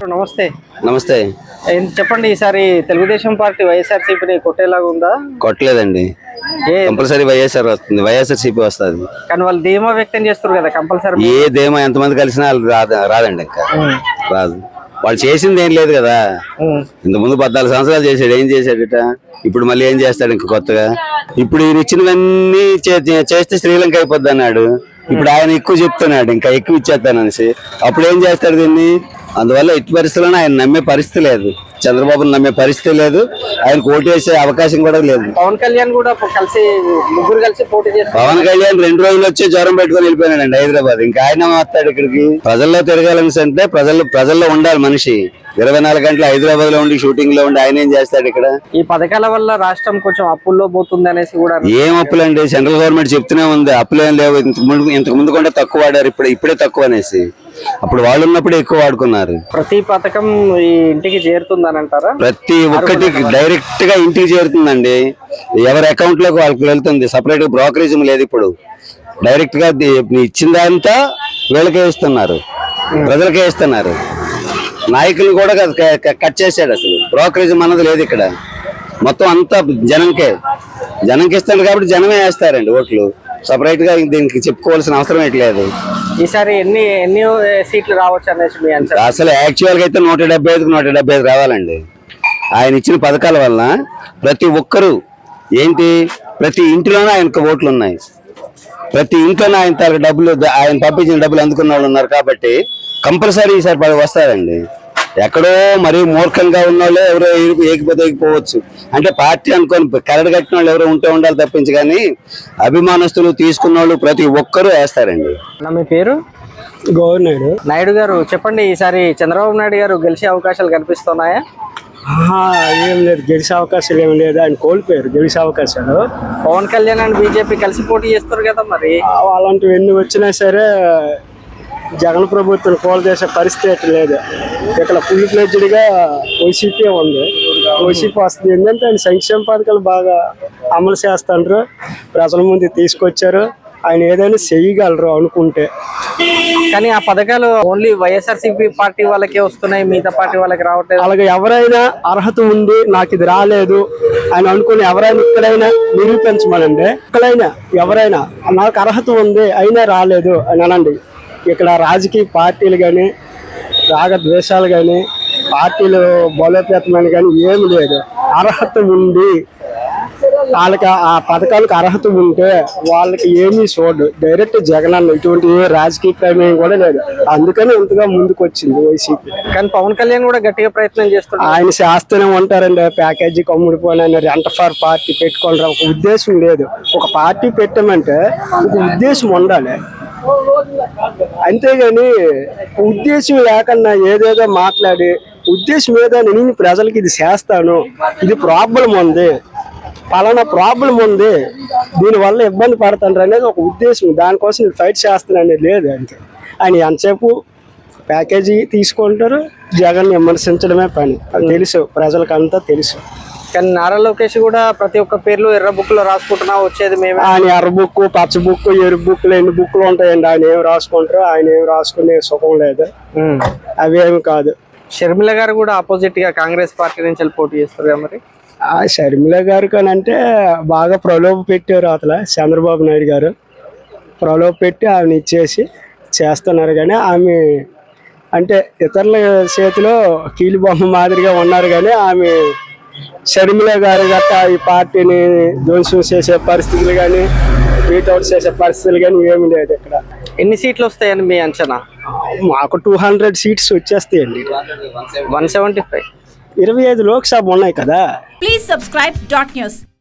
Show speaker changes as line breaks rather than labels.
నమస్తే.
నమస్తే.
చెప్పండి, ఈసారి తెలుగుదేశం పార్టీ వైఎస్ఆర్సీపీని కొట్టేలాగా ఉందా?
కొట్టలేదండి, కంపల్సరీ వైఎస్ఆర్ వస్తుంది, వైఎస్ఆర్సీపీ వస్తుంది.
కానీ వాళ్ళు ధీమా వ్యక్తం చేస్తారు కదా, కంపల్సరీ.
ఏ ధీమా ఎంతమంది కలిసినా రాదండి, ఇంకా రాదు. వాళ్ళు చేసింది ఏం లేదు కదా. ఇంత ముందు 14 సంవత్సరాలు చేశాడు, ఏం చేశాడట? ఇప్పుడు మళ్ళీ ఏం చేస్తాడు ఇంకా కొత్తగా? ఇప్పుడు ఈయన ఇచ్చినవన్నీ చేస్తే శ్రీలంక అయిపోద్ది అన్నాడు. ఇప్పుడు ఆయన ఎక్కువ చెప్తున్నాడు, ఇంకా ఎక్కువ ఇచ్చేస్తాననేసి. అప్పుడు ఏం చేస్తాడు దీన్ని? అందువల్ల ఎట్టి పరిస్థితుల్లో ఆయన నమ్మే పరిస్థితి లేదు, చంద్రబాబును నమ్మే పరిస్థితి లేదు, ఆయనకు ఓటు వేసే అవకాశం కూడా లేదు.
పవన్ కళ్యాణ్ కూడా ముగ్గురు కలిసి పోటీ చేస్తారు.
పవన్ కళ్యాణ్ 2 రోజులు వచ్చి జ్వరం పెట్టుకుని వెళ్ళిపోయినాడండి హైదరాబాద్. ఇంకా ఆయన వస్తాడు ఇక్కడికి? ప్రజల్లో తిరగాలని అంటే ప్రజల్లో ఉండాలి మనిషి. 24 గంటలు హైదరాబాద్ లో ఉండి షూటింగ్ లో ఉండి ఆయన ఏం చేస్తాడు ఇక్కడ?
ఈ పథకాల వల్ల రాష్ట్రం కొంచెం అప్పుల్లో పోతుంది అనేసి కూడా.
ఏం అప్పులండి? సెంట్రల్ గవర్నమెంట్ చెప్తూనే ఉంది అప్పులేం లేవు, ఇంతకు ముందు కూడా తక్కువ వాడారు, ఇప్పుడే తక్కువ అనేసి. అప్పుడు వాళ్ళు ఉన్నప్పుడు ఎక్కువ వాడుకున్నారు.
ప్రతి పథకం ఈ ఇంటికి చేరుతుందని అంటారా?
ప్రతి ఒక్కటి డైరెక్ట్ గా ఇంటికి చేరుతుందండి, ఎవరి అకౌంట్ లోకి వాళ్ళకి వెళ్తుంది. సపరేట్ బ్రోకరేజ్ లేదు ఇప్పుడు, డైరెక్ట్ గా ఇచ్చిందంతా వీళ్ళకే ఇస్తున్నారు, ప్రజలకే ఇస్తున్నారు. నాయకులు కూడా కట్ చేశాడు, అసలు బ్రోకరేజ్ అన్నది లేదు ఇక్కడ. మొత్తం అంతా జనంకి ఇస్తాడు కాబట్టి జనమే వేస్తారండి ఓట్లు. సపరేట్ గా దీనికి చెప్పుకోవాల్సిన అవసరం లేదు.
ఈసారి ఎన్ని సీట్లు రావచ్చు అనేసి మీ అంచనా?
అసలు యాక్చువల్ గా అయితే 175 రావాలండి. ఆయన ఇచ్చిన పథకాల వల్ల ప్రతి ఒక్కరు ప్రతి ఇంటిలోనే ఆయనకు ఓట్లు ఉన్నాయి, ప్రతి ఇంట్లోనే ఆయన డబ్బులు, ఆయన పంపించిన డబ్బులు అందుకున్న వాళ్ళు ఉన్నారు. కాబట్టి కంపల్సరీ ఈసారి వస్తారండి. ఎక్కడో మరీ మూర్ఖంగా ఉన్న వాళ్ళు ఎవరో ఏకిపోవచ్చు అంటే పార్టీ అనుకొని కరడు కట్టిన వాళ్ళు ఎవరో ఉండాలి తప్పించి, కానీ అభిమానస్తులు తీసుకున్న వాళ్ళు ప్రతి ఒక్కరూ వేస్తారండి.
మీ పేరు?
గవర్నర్
నాయుడు గారు. చెప్పండి, ఈసారి చంద్రబాబు నాయుడు గారు గెలిచే అవకాశాలు కనిపిస్తున్నాయా?
ఏం లేదు, గెలిచే అవకాశాలు ఏం లేదు, ఆయన కోల్పోయారు గెలిచే అవకాశాలు.
పవన్ కళ్యాణ్ అండ్ బీజేపీ కలిసి పోటీ చేస్తారు కదా, మరి
అలాంటివి ఎన్ని వచ్చినా సరే జగన్ ప్రభుత్వం కోల్ చేసే పరిస్థితి లేదు. ఇక్కడ ఫుల్ ఫ్లెడ్జ్డ్ గా వైసీపీ ఉంది, వైసీపీ వస్తుంది. ఏంటంటే ఆయన సంక్షేమ పథకాలు బాగా అమలు చేస్తారు, ప్రజల ముందు తీసుకొచ్చారు. ఆయన ఏదైనా చేయగలరు అనుకుంటే.
కానీ ఆ పథకాలు ఓన్లీ వైఎస్ఆర్సీపీ పార్టీ వాళ్ళకే వస్తున్నాయి, మిగతా పార్టీ వాళ్ళకి రావట్లేదు.
అలాగే ఎవరైనా అర్హత ఉంది, నాకు ఇది రాలేదు అని అనుకుని ఎవరైనా ఇక్కడైనా నిరూపించమనండి. ఎక్కడైనా ఎవరైనా నాకు అర్హత ఉంది అయినా రాలేదు అని అనండి. ఇక్కడ రాజకీయ పార్టీలు కానీ, రాగద్వేషాలు కానీ, పార్టీలు బలోపేతమని కానీ ఏమి లేదు. అర్హత ఉంది, వాళ్ళకి ఆ పథకాలకు అర్హత ఉంటే వాళ్ళకి ఏమీ చూడదు. డైరెక్ట్ జగన్ అన్న ఇటువంటి రాజకీయ ప్రమేయం కూడా లేదు. అందుకని ఇంతగా ముందుకు వచ్చింది వైసీపీ.
కానీ పవన్ కళ్యాణ్ కూడా గట్టిగా ప్రయత్నం చేస్తున్నారు.
ఆయన శాస్త్రం ఉంటారండి, ప్యాకేజీ కమ్ముడిపోయిన రెంట్ ఫర్ పార్టీ పెట్టుకోవడం ఒక ఉద్దేశం లేదు. ఒక పార్టీ పెట్టామంటే ఒక ఉద్దేశం ఉండాలి, అంతేగాని ఉద్దేశం లేకుండా ఏదేదో మాట్లాడి ఉద్దేశం ఏదో నేను ప్రజలకి ఇది చేస్తాను, ఇది ప్రాబ్లం ఉంది, పలానా ప్రాబ్లం ఉంది, దీనివల్ల ఇబ్బంది పడతాను అనేది ఒక ఉద్దేశం. దానికోసం నేను ఫైట్ చేస్తాను అనేది లేదు. అంతే. ఆయన ఎంతసేపు ప్యాకేజీ తీసుకుంటారు, జగన్ విమర్శించడమే పని. అది తెలుసు, ప్రజలకంతా తెలుసు.
కానీ నారా లోకేష్ కూడా ప్రతి ఒక్క పేర్లు ఎర్ర బుక్ లో రాసుకుంటున్నా వచ్చేది మేమే.
ఆయన ఎర్ర బుక్, పచ్చ బుక్, ఎరుపు బుక్లు ఎన్ని బుక్లు ఉంటాయండి. ఆయన ఏమి రాసుకుంటారు, ఆయన ఏమి రాసుకునే సుఖం లేదు, అవేమి కాదు.
షర్మిల గారు కూడా ఆపోజిట్ గా కాంగ్రెస్ పార్టీ నుంచి పోటీ చేస్తారు కదా, మరి
ఆ షర్మిల గారు కానంటే బాగా ప్రలోభ పెట్టారు అతల చంద్రబాబు నాయుడు గారు. ప్రలోభ పెట్టి ఆమెను ఇచ్చేసి చేస్తున్నారు. కానీ ఆమె అంటే ఇతరుల చేతిలో కీలు బొమ్మ మాదిరిగా ఉన్నారు. కానీ ఆమె షర్మిల గారు గట్టా ఈ పార్టీని ధ్వంసం చేసే పరిస్థితులు కానీ, బీట్అవుట్ చేసే పరిస్థితులు కానీ ఏమి లేదు. ఇక్కడ
ఎన్ని సీట్లు వస్తాయని మీ అంచనా?
మాకు 200 సీట్స్ వచ్చేస్తాయండి.
175
25 లోక్సభ ఉన్నాయి కదా.
Please subscribe .news.